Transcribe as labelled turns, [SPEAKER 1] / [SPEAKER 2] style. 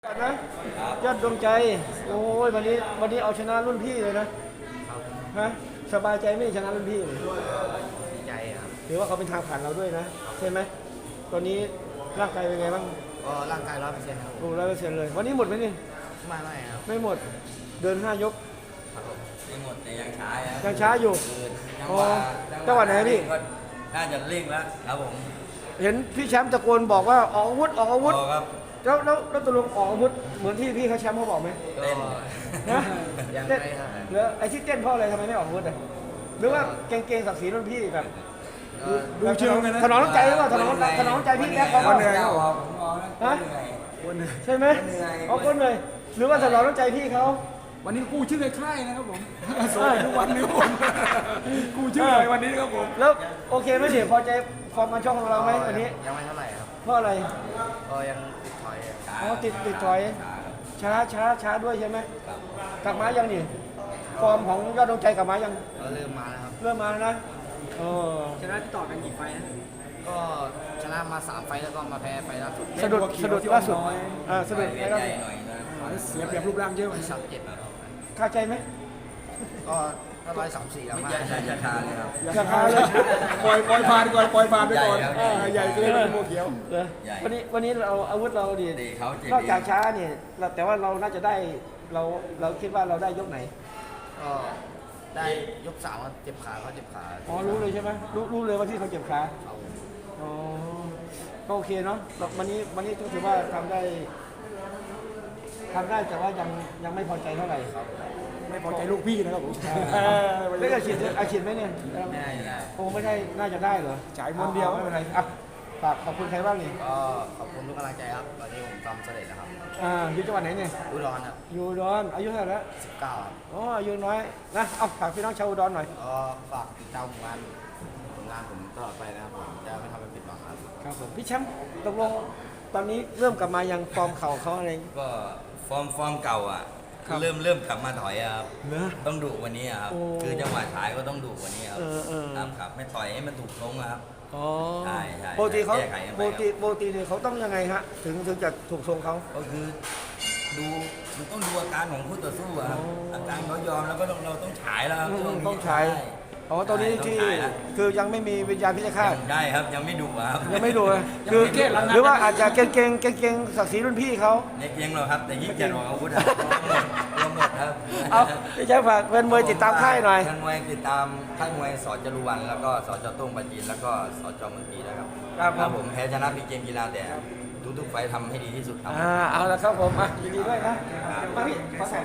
[SPEAKER 1] นะยอดดวงใจโอ้ยวันนี้เอาชนะรุ่นพี่เลยนะฮะสบายใจไม่ชนะรุ่นพี่เลย
[SPEAKER 2] ดีใจครับ
[SPEAKER 1] ถือว่าเขาเป็นทางผ่านเราด้วยนะใช่ไหมตอนนี้ร่างกายเป็นไงบ้าง
[SPEAKER 2] ก็ร่างกาย100%ครับ
[SPEAKER 1] โอ้100%เลย วันนี้หมดไหมนี่
[SPEAKER 2] ไม่ครับ
[SPEAKER 1] ไม่หมดเดิน5 ยก
[SPEAKER 3] ไม่หมดแต่ยังช้าครับ
[SPEAKER 1] ยังช้าอยู่
[SPEAKER 3] จัง
[SPEAKER 1] อ๋
[SPEAKER 3] ห
[SPEAKER 1] อ
[SPEAKER 3] วะ
[SPEAKER 1] จังหวะไหนพี่
[SPEAKER 3] ก็น่าจะเร่งแล้วครับผม
[SPEAKER 1] เห็นพี่แชมป์ตะโกนบอกว่าออกอาวุธออกอาวุธ
[SPEAKER 3] พอครับ
[SPEAKER 1] แล้วตกลงออกอาวุธเหมือนที่พี่เขาแชมป์เขาบอกไหม
[SPEAKER 3] เต้น
[SPEAKER 1] นะ
[SPEAKER 2] ยัง
[SPEAKER 1] เต้น
[SPEAKER 2] ไม่ครับ
[SPEAKER 1] แล้วไอ้ที่เต้นเพราะอะไรทำไมไม่ออกอาวุธอ่ะหรือว่าเกรงศักดิ์ศรีรุ่นพี่แบบ
[SPEAKER 2] ก็
[SPEAKER 1] ดูเชิงกันนะถนอมน้ำใจหรือเปล่าถนอมน้ำใจพี่แบ๊กเขาก็เหนื่อย
[SPEAKER 3] ผมมองนะ
[SPEAKER 1] ฮะ ใช่ไหมเขาก็เหนื่อยหรือว่าถนอมน้ำใจพี่เขา
[SPEAKER 4] วันนี้กู้ชื่อในค่ายนะครับผมสวัสดีทุกวันนี้ผมกู้ชื่อในวันนี้ครับผม
[SPEAKER 1] แล้วโอเคไหมเดี๋ยวพอใจฟอร์มการชกของเราไหมวันนี้
[SPEAKER 2] ยังไม่เท่าไหร่ครับ
[SPEAKER 1] เพราะอะไร
[SPEAKER 2] ก็ยังติดถอย
[SPEAKER 1] อ๋อติดถอยช้าด้วยใช่ไหมกลับมายังนี่ฟอร์มของยอดดวงใจกลับมายัง
[SPEAKER 2] ก็เริ่มมาแล้วครับ
[SPEAKER 1] เริ่มมาแล้วนะเออ
[SPEAKER 4] ชนะที่ต่อกันกี่ไฟนะ
[SPEAKER 2] ก็ชนะมา3 ไฟต์แล้วก็มาแพ้ไฟล์ล่าสุด
[SPEAKER 1] สะดุดล่าสุดสะดุด
[SPEAKER 3] ให
[SPEAKER 1] ล่า
[SPEAKER 3] ญ่
[SPEAKER 1] สุด
[SPEAKER 3] หน่อยนะ
[SPEAKER 4] เสียเปรียบรูปร่างเยอะ
[SPEAKER 2] ที่37ครับ
[SPEAKER 1] คาใจไหม
[SPEAKER 2] ก็134แล้ว
[SPEAKER 3] ไม่
[SPEAKER 2] มา
[SPEAKER 3] ใช่ชายชาทาเลยครับ
[SPEAKER 1] ราคาเลย
[SPEAKER 4] ปล่อยผ่านก่อนปล่อยผ่านไปก่อน
[SPEAKER 3] ใหญ่ครับ
[SPEAKER 4] ใหญ่เกินเป็นโมเขียว
[SPEAKER 1] เหรอ
[SPEAKER 3] ใหญ่
[SPEAKER 1] วันนี้เราอาวุธเราดี
[SPEAKER 3] เตะเขาเจ็บ
[SPEAKER 1] นอกจากช้าเนี่ยแต่ว่าเราน่าจะได้เราคิดว่าเราได้ยกไหน
[SPEAKER 2] ก็ได้ยก3ครับเจ็บขาเขาเจ็บขา
[SPEAKER 1] อ๋อรู้เลยใช่ไหมรู้เลยว่าที่เขาเจ็บขา
[SPEAKER 2] เขา
[SPEAKER 1] อ๋อก็โอเคเนาะวันนี้ถือว่าทำได้แต่ว่ายังไม่พอใจเท่าไหร่
[SPEAKER 4] ไม่พอใจลูกพี่นะครับผม
[SPEAKER 1] ไม่ได้อาชีพไหมเนี่ย
[SPEAKER 2] ไม่ได้อยู่แล้ว
[SPEAKER 1] โอ้ไม่ได้น่าจะได้เหรอ
[SPEAKER 4] ฉายมวนเดียว
[SPEAKER 1] ไม่เป็นไรอ่ะฝากขอบคุณใครบ้างนี่
[SPEAKER 2] ก็ขอบคุณทุกกำลังใจครับตอนนี้ผมทำสำเร็จแล้วครับ
[SPEAKER 1] อยู่จังหวัดไหนเนี่ย
[SPEAKER 2] อุดรครับ
[SPEAKER 1] อยู่อุดอนอายุเท่าไหร่แล้ว
[SPEAKER 2] 19ครับ
[SPEAKER 1] อ๋ออายุน้อยนะเอาฝากพี่น้องชาวอุดรหน่อย
[SPEAKER 2] ก็ฝากติดตามผลงานผมตลอดไปนะครับผมจะไม่ทำให้ผิดหวังครับ
[SPEAKER 1] ครับผมพี่แชมป์ตกลงตอนนี้เริ่มกลับมายังฟอร์มเข่าเขาอะไร
[SPEAKER 3] ก็ฟอร์มเก่าอ่ะ
[SPEAKER 1] ครับ
[SPEAKER 3] เริ่มกลับมาถอยอะครับ
[SPEAKER 1] เหรอ
[SPEAKER 3] ต้องดุวันนี้อะครับ
[SPEAKER 1] โอ้
[SPEAKER 3] คือจังหวะท้ายก็ต้องดุวันนี้ครับ
[SPEAKER 1] เออ
[SPEAKER 3] ครับไม่ต่อยให้มันถูกทรงอะครับ
[SPEAKER 1] อ๋อ
[SPEAKER 3] ใช่ใช่
[SPEAKER 1] ปกติเขา
[SPEAKER 3] แก้ไขกันไป
[SPEAKER 1] ปกติเนี่ยเขาต้องยังไงฮะถึงจะถูกทรงเขา
[SPEAKER 3] ก็คือดูมันต้องดูอาการของคู่ต่อสู้อะครับ
[SPEAKER 1] อ๋ออ
[SPEAKER 3] อาการเขายอมแล้วก็เราต้องฉายแล้วครับช่วนี้
[SPEAKER 1] ต้องใช้อ๋อตอนนี้
[SPEAKER 3] ใช่
[SPEAKER 1] ที่
[SPEAKER 3] ต้องฉายแล้ว
[SPEAKER 1] คือยังไม่มีวิญญาณพิฆาต
[SPEAKER 3] ยังได้ครับยังไม่ดุอะครับ
[SPEAKER 1] ยังไม่ดูเลยคือหรือว่าอาจจะเก่งศักดิ์ศรีรุ่นพี่เขา
[SPEAKER 3] ในเกียงเราครับแต่ยิ่งจะออกอาวุธอะรวมหมดครับ
[SPEAKER 1] เอาพี่แชมป์ฝากเป็นมวยติดตามค่ายหน่อย
[SPEAKER 3] ท่านมวยติดตามค่ายมวยสจรุวันแล้วก็สจโต้งปาจีนแล้วก็สจเมืองพีนะครับ
[SPEAKER 1] ครับผม
[SPEAKER 3] ผมแพ้ชนะพีเกมกีฬาแต่ทุกๆไฟท์ทำให้ดีที่สุดครับ
[SPEAKER 1] เอาละครับผมยินดีด้วยนะมาพี่ขอถ่าย